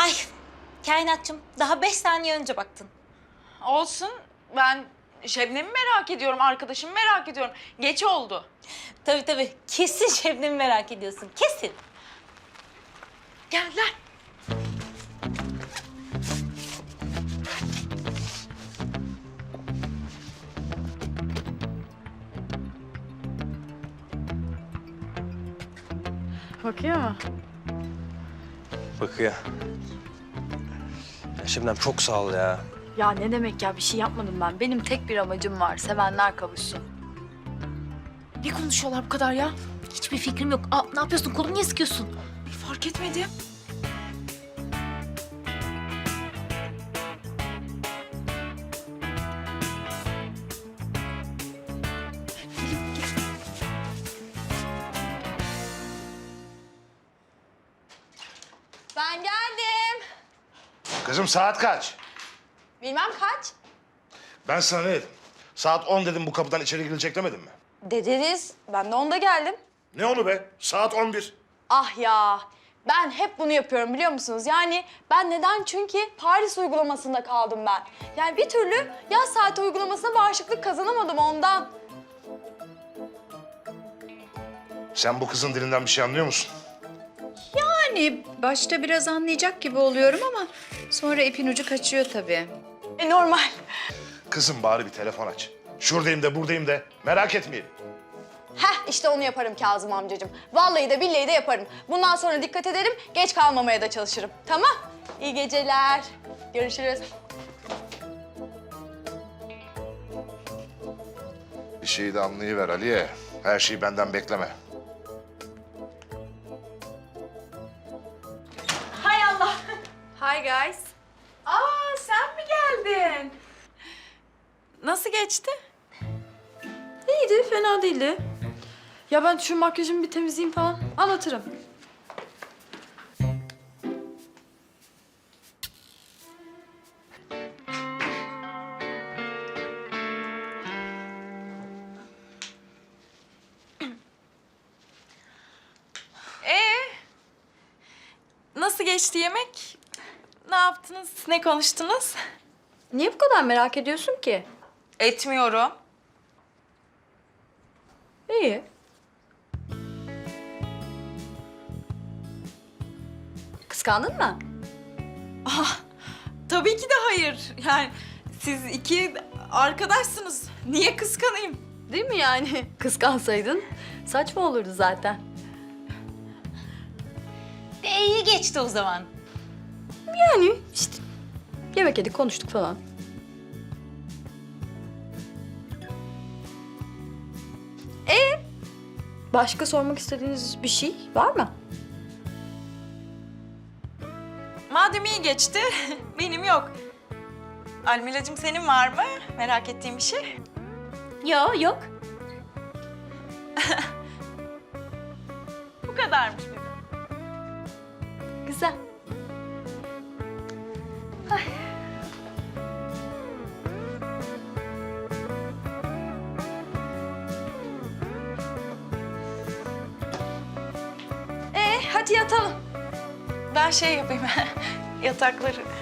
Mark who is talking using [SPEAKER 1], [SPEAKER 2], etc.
[SPEAKER 1] Ay kainatçım daha 5 saniye önce baktın.
[SPEAKER 2] Olsun. Ben Şebnem'i merak ediyorum, arkadaşımı merak ediyorum. Geç oldu.
[SPEAKER 1] Tabii kesin Şebnem'i merak ediyorsun kesin.
[SPEAKER 2] Geldiler. Bakıyor mu?
[SPEAKER 3] Bakıyor. Ya Şebnem çok sağ ol ya.
[SPEAKER 4] Ya ne demek ya, bir şey yapmadım ben. Benim tek bir amacım var, sevenler kavuşsun.
[SPEAKER 2] Ne konuşuyorlar bu kadar ya?
[SPEAKER 1] Hiçbir fikrim yok. Aa, ne yapıyorsun? Kolumu niye sıkıyorsun?
[SPEAKER 2] Fark etmedim.
[SPEAKER 4] Ben geldim.
[SPEAKER 5] Kızım saat kaç?
[SPEAKER 4] Bilmem kaç.
[SPEAKER 5] Ben sana ne dedim? Saat 10 dedim, bu kapıdan içeri girilecek demedim mi?
[SPEAKER 4] Dediniz, ben de onda geldim.
[SPEAKER 5] Ne onu be? Saat 11.
[SPEAKER 4] Ah ya, ben hep bunu yapıyorum biliyor musunuz? Yani ben neden? Çünkü Paris uygulamasında kaldım ben. Yani bir türlü yaz saati uygulamasına bağışıklık kazanamadım ondan.
[SPEAKER 5] Sen bu kızın dilinden bir şey anlıyor musun?
[SPEAKER 6] Yani başta biraz anlayacak gibi oluyorum ama sonra ipin ucu kaçıyor tabii.
[SPEAKER 4] Normal.
[SPEAKER 5] Kızım bari bir telefon aç. Şuradayım de buradayım de merak etmeyelim.
[SPEAKER 4] Heh, işte onu yaparım Kazım amcacığım. Vallahi de billahi de yaparım. Bundan sonra dikkat ederim, geç kalmamaya da çalışırım. Tamam? İyi geceler. Görüşürüz.
[SPEAKER 5] Bir şeyi de anlayıver Aliye. Her şeyi benden bekleme.
[SPEAKER 2] Hay Allah.
[SPEAKER 4] Hi guys.
[SPEAKER 2] Aa, sen mi geldin? Nasıl geçti?
[SPEAKER 4] İyiydi, fena değildi. Ya ben şu makyajımı bir temizleyeyim falan, anlatırım.
[SPEAKER 2] Nasıl geçti yemek? Ne yaptınız? Ne konuştunuz?
[SPEAKER 4] Niye bu kadar merak ediyorsun ki?
[SPEAKER 2] Etmiyorum.
[SPEAKER 4] İyi. Kıskandın mı?
[SPEAKER 2] Tabii ki de hayır. Yani siz iki arkadaşsınız. Niye kıskanayım?
[SPEAKER 4] Değil mi yani? Kıskansaydın saçma olurdu zaten.
[SPEAKER 1] İyi geçti o zaman.
[SPEAKER 4] Yani işte yemek yedik, konuştuk falan. Başka sormak istediğiniz bir şey var mı?
[SPEAKER 2] Madem iyi geçti, benim yok. Almilacığım senin var mı? Merak ettiğin bir şey?
[SPEAKER 1] Yok.
[SPEAKER 2] Bu kadarmış benim.
[SPEAKER 4] Güzel. Hadi yatalım.
[SPEAKER 2] Ben şey yapayım, yatakları